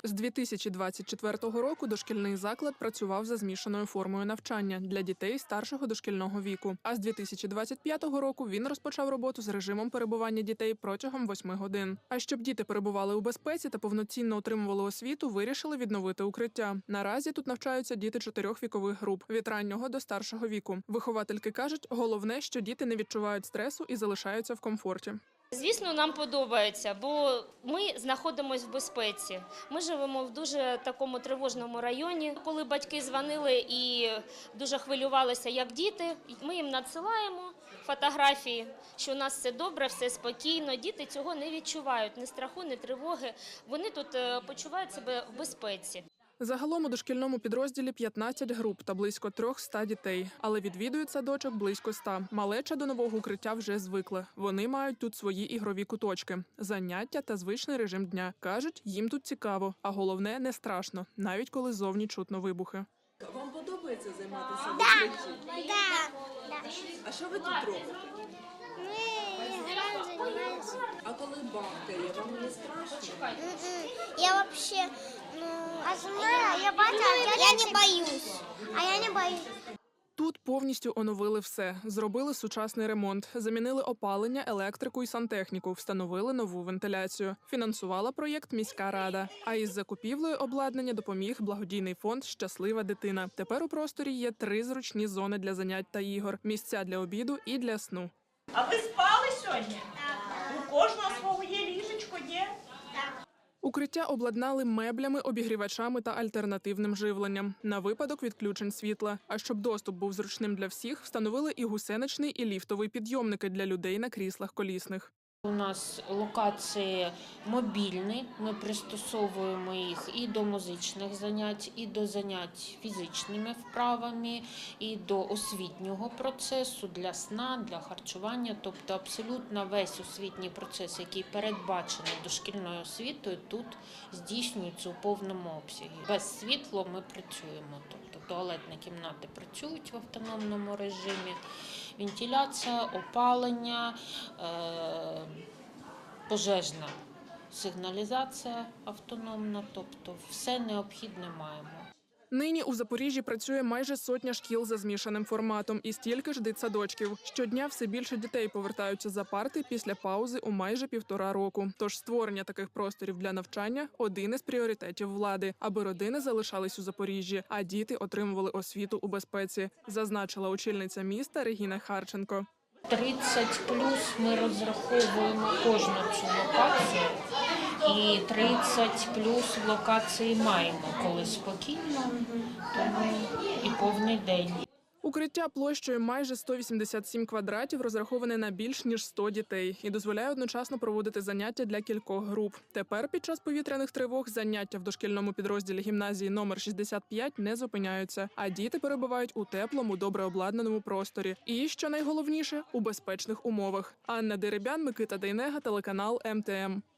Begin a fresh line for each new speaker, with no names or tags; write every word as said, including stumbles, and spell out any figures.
З дві тисячі двадцять четвертого року дошкільний заклад працював за змішаною формою навчання для дітей старшого дошкільного віку. А з дві тисячі двадцять п'ятого року він розпочав роботу з режимом перебування дітей протягом восьми годин. А щоб діти перебували у безпеці та повноцінно отримували освіту, вирішили відновити укриття. Наразі тут навчаються діти чотирьох вікових груп – від раннього до старшого віку. Виховательки кажуть, головне, що діти не відчувають стресу і залишаються в комфорті.
Звісно, нам подобається, бо ми знаходимося в безпеці. Ми живемо в дуже такому тривожному районі. Коли батьки дзвонили і дуже хвилювалися, як діти, ми їм надсилаємо фотографії, що у нас все добре, все спокійно. Діти цього не відчувають, ні страху, ні тривоги. Вони тут почувають себе в безпеці.
Загалом у дошкільному підрозділі п'ятнадцять груп та близько триста дітей. Але відвідують садочок близько ста. Малеча до нового укриття вже звикли. Вони мають тут свої ігрові куточки, заняття та звичний режим дня. Кажуть, їм тут цікаво, а головне – не страшно, навіть коли зовні чутно вибухи.
Вам подобається займатися в укритті?
Да.
А що ви тут робите?
Мы играем, занимаемся.
А коли бахкає, вам не страшно?
Я вообще, ну, а я, я, я не боюсь. А я не боюсь.
Тут повністю оновили все. Зробили сучасний ремонт, замінили опалення, електрику і сантехніку, встановили нову вентиляцію. Фінансувала проєкт міська рада. А із закупівлею обладнання допоміг благодійний фонд «Щаслива дитина». Тепер у просторі є три зручні зони для занять та ігор, місця для обіду і для сну.
А ви спали сьогодні? У кожного свого є ліжечко, є?
Укриття обладнали меблями, обігрівачами та альтернативним живленням на випадок відключень світла. А щоб доступ був зручним для всіх, встановили і гусеничний, і ліфтовий підйомники для людей на кріслах колісних.
У нас локації мобільні, ми пристосовуємо їх і до музичних занять, і до занять фізичними вправами, і до освітнього процесу, для сна, для харчування. Тобто абсолютно весь освітній процес, який передбачений дошкільною освітою, тут здійснюється у повному обсязі. Без світла ми працюємо, тобто туалетні кімнати працюють в автономному режимі, вентиляція, опалення, е пожежна сигналізація автономна, тобто все необхідне маємо.
Нині у Запоріжжі працює майже сотня шкіл за змішаним форматом і стільки ж дитсадочків. Щодня все більше дітей повертаються за парти після паузи у майже півтора року. Тож створення таких просторів для навчання – один із пріоритетів влади, аби родини залишались у Запоріжжі, а діти отримували освіту у безпеці, зазначила очільниця міста Регіна Харченко.
тридцять плюс ми розраховуємо кожну цю локацію, і тридцять плюс в локації маємо, коли спокійно, тому і повний день.
Укриття площею майже сто вісімдесят сім квадратів розраховане на більш ніж сто дітей і дозволяє одночасно проводити заняття для кількох груп. Тепер під час повітряних тривог заняття в дошкільному підрозділі гімназії номер шістдесят п'ять не зупиняються, а діти перебувають у теплому, добре обладнаному просторі. І, що найголовніше, у безпечних умовах. Анна Деребян, Микита Дейнега, телеканал ем те ем.